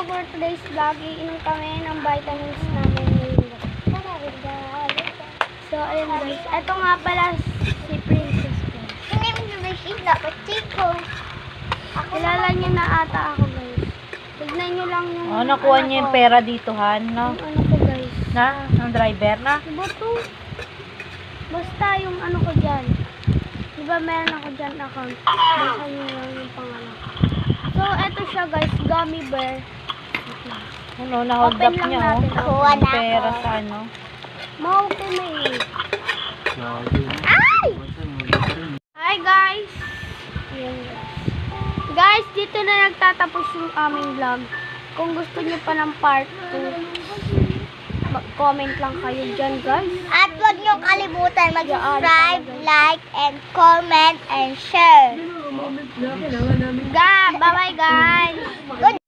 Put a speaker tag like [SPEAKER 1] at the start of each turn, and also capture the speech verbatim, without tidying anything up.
[SPEAKER 1] for today's vlog, iinom kami ng vitamins namin ngayon. So, ayun guys. Ito nga pala si Princess ko. Kilala niya na ata ako guys. Tignan niyo lang yung...
[SPEAKER 2] Oh, nakuha niya yung pera dito, Han, no?
[SPEAKER 1] Yung ano ko guys.
[SPEAKER 2] Na? Ng driver na?
[SPEAKER 1] Diba to? Basta yung ano ko dyan. Diba meron ako dyan account. Basta niyo lang yung pangalan. So, eto siya guys. Gummy bear.
[SPEAKER 2] Ano, na-hold
[SPEAKER 1] Open
[SPEAKER 2] up
[SPEAKER 1] lang
[SPEAKER 2] niya, oh.
[SPEAKER 1] natin.
[SPEAKER 2] Nakuha na pera sa ano.
[SPEAKER 1] Mau ko na eh. Ay! Hi guys! Ayan guys. Guys, dito na nagtatapos yung aming vlog. Kung gusto niyo pa ng part two, mag-comment lang kayo dyan guys.
[SPEAKER 3] At huwag niyo kalimutan mag-subscribe, like, and comment, and share.
[SPEAKER 1] Ga, bye-bye guys!
[SPEAKER 3] Good